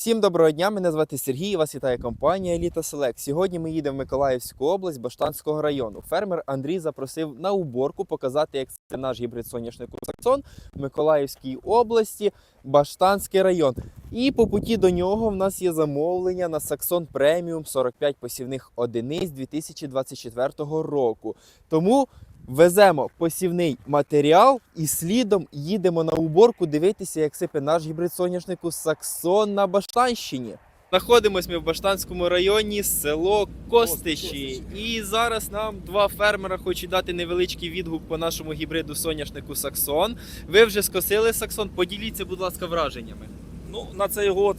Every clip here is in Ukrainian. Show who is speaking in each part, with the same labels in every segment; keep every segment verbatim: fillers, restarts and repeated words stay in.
Speaker 1: Всім доброго дня, мене звати Сергій, вас вітає компанія Еліта Селект. Сьогодні ми їдемо в Миколаївську область Баштанського району. Фермер Андрій запросив на уборку показати, як це наш гібрид соняшнику Саксон в Миколаївській області, Баштанський район. І по путі до нього в нас є замовлення на Саксон преміум сорок п'ять посівних одиниць дві тисячі двадцять четвертого року. Тому веземо посівний матеріал і слідом їдемо на уборку дивитися, як сипе наш гібрид соняшнику Саксон на Баштанщині. Знаходимось ми в Баштанському районі, село Костичі. І зараз нам два фермера хочуть дати невеличкий відгук по нашому гібриду соняшнику Саксон. Ви вже скосили Саксон, поділіться, будь ласка, враженнями.
Speaker 2: Ну, на цей год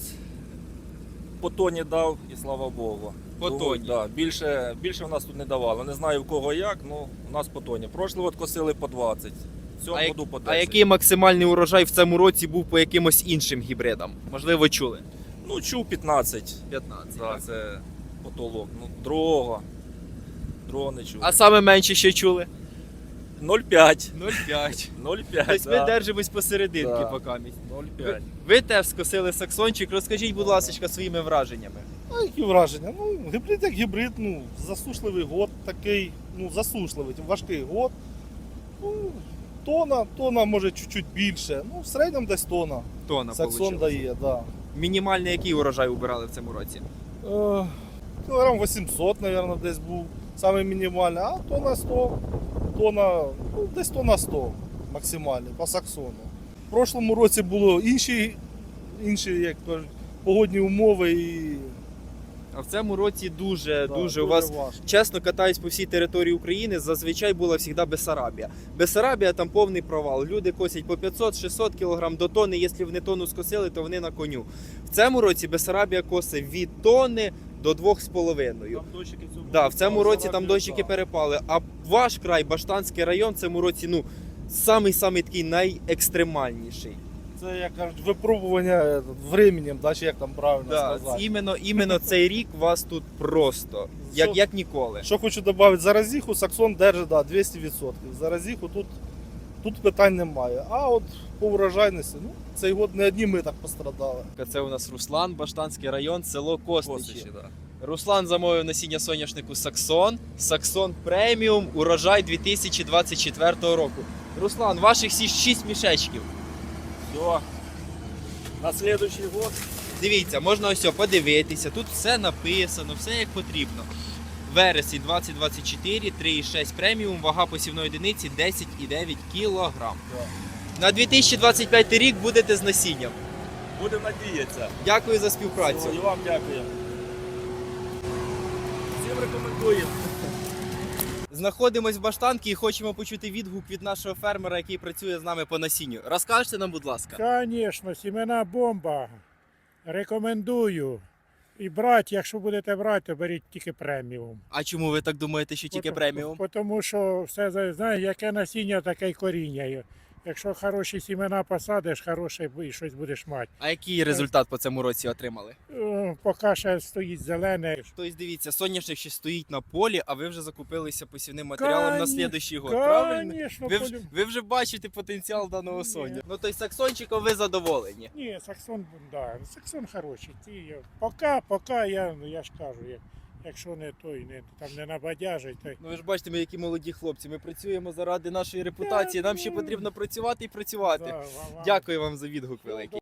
Speaker 2: по тоні дав і слава Богу.
Speaker 1: По
Speaker 2: Ну,
Speaker 1: тоні?
Speaker 2: Да, більше, більше в нас тут не давало. Не знаю в кого як, але у нас по тоні. Прошлий год косили по двадцять, в цьому
Speaker 1: А,
Speaker 2: году по
Speaker 1: а
Speaker 2: десять.
Speaker 1: який максимальний урожай в цьому році був по якимось іншим гібридам? Можливо, чули?
Speaker 2: Ну, чув п'ятнадцять.
Speaker 1: п'ятнадцять.
Speaker 2: Да, це потолок. Ну, другого. Другого не чув.
Speaker 1: А саме менше що чули?
Speaker 2: нуль п'ять.
Speaker 1: нуль п'ять.
Speaker 2: нуль п'ять,
Speaker 1: Тобто ми
Speaker 2: да.
Speaker 1: держимось посерединки
Speaker 2: Да.
Speaker 1: поки.
Speaker 2: нуль
Speaker 1: Ви,
Speaker 2: п'ять.
Speaker 1: ви теж скосили Саксончик. Розкажіть, будь ласка, своїми враженнями.
Speaker 3: А які враження? Ну, гібрид як гібрид, ну, засушливий год такий, ну, засушливий, важкий год. Ну, тона, тона може чуть-чуть більше. Ну, в середньому десь тона.
Speaker 1: Тона
Speaker 3: Саксон
Speaker 1: получилось.
Speaker 3: дає, да.
Speaker 1: Мінімальний який урожай убирали в цьому році?
Speaker 3: Е, кілограм вісімсот, мабуть, десь був. Саме мінімальний, а тона сто, тона, ну, десь тона сто максимальний по Саксону. В прошлому році було інші, інші, як кажуть, погодні умови і
Speaker 1: А в цьому році дуже,
Speaker 3: да,
Speaker 1: дуже у вас,
Speaker 3: важко.
Speaker 1: чесно, катаюсь по всій території України, зазвичай була завжди Бессарабія. Бессарабія там повний провал. Люди косять по п'ятсот-шістсот кілограм до тони. Якщо вони тонну скосили, то вони на коню. В цьому році Бессарабія косить від тонни до двох з половиною.
Speaker 2: Там дощики в цьому
Speaker 1: Да,
Speaker 2: году
Speaker 1: в цьому
Speaker 2: стали
Speaker 1: році там
Speaker 2: зарабатывать,
Speaker 1: дощики
Speaker 2: да.
Speaker 1: перепали. А ваш край, Баштанський район, в цьому році, ну, самий-самий такий найекстремальніший.
Speaker 3: Це, як кажуть, випробування е, временем, да, чи як там правильно
Speaker 1: Да,
Speaker 3: сказати.
Speaker 1: іменно, іменно цей рік у вас тут просто, як,
Speaker 3: Що-
Speaker 1: як ніколи.
Speaker 3: Що хочу додати, заразіху Саксон держить да, двісті відсотків. Заразіху тут, тут питань немає. А от по урожайності, ну, цей год не одні ми так пострадали.
Speaker 1: Це у нас Руслан, Баштанський район, село Костичі.
Speaker 2: Костичі, да.
Speaker 1: Руслан замовив насіння соняшнику Саксон. Саксон преміум, урожай дві тисячі двадцять четвертого року. Руслан, ваших всі шість мішечків.
Speaker 2: Все. На следующий год.
Speaker 1: Дивіться, можна ось подивитися, тут все написано, все як потрібно. Вересень двадцять двадцять чотири, три і шість преміум, вага посівної одиниці десять і дев'ять кілограм. На дві тисячі двадцять п'ятий рік будете з насінням.
Speaker 2: Будемо надіятися.
Speaker 1: Дякую за співпрацю.
Speaker 2: І вам дякую. Всім рекомендуємо.
Speaker 1: Знаходимось в Баштанці і хочемо почути відгук від нашого фермера, який працює з нами по насінню. Розкажете нам, будь ласка.
Speaker 4: Звісно, сімена бомба. Рекомендую. І брати, якщо будете брати, то беріть тільки преміум.
Speaker 1: А чому ви так думаєте, що тільки
Speaker 4: Пото-
Speaker 1: преміум?
Speaker 4: Тому що все, за- знаєш, яке насіння, таке й коріння. Якщо хороші сімена посадиш, хороше і щось будеш мати.
Speaker 1: А який результат по цьому році отримали?
Speaker 4: Е, Поки ще стоїть зелене.
Speaker 1: Тобто, дивіться, соняшник ще стоїть на полі, а ви вже закупилися посівним матеріалом на
Speaker 4: Конечно,
Speaker 1: слідуючий год, правильно?
Speaker 4: Звісно,
Speaker 1: Ви, вже- ви вже бачите потенціал даного
Speaker 4: Ні.
Speaker 1: соня. Ну, тобто, саксончиком ви задоволені.
Speaker 4: Ні, Саксон, да, Саксон хороший. Ті, я- поки, поки я, ну, я ж кажу, як, якщо не той, не, там не набадяжить, то
Speaker 1: Ну ви ж бачите, ми які молоді хлопці. Ми працюємо заради нашої репутації. Нам ще потрібно працювати і працювати.
Speaker 4: да, вам-
Speaker 1: Дякую вам за відгук великий.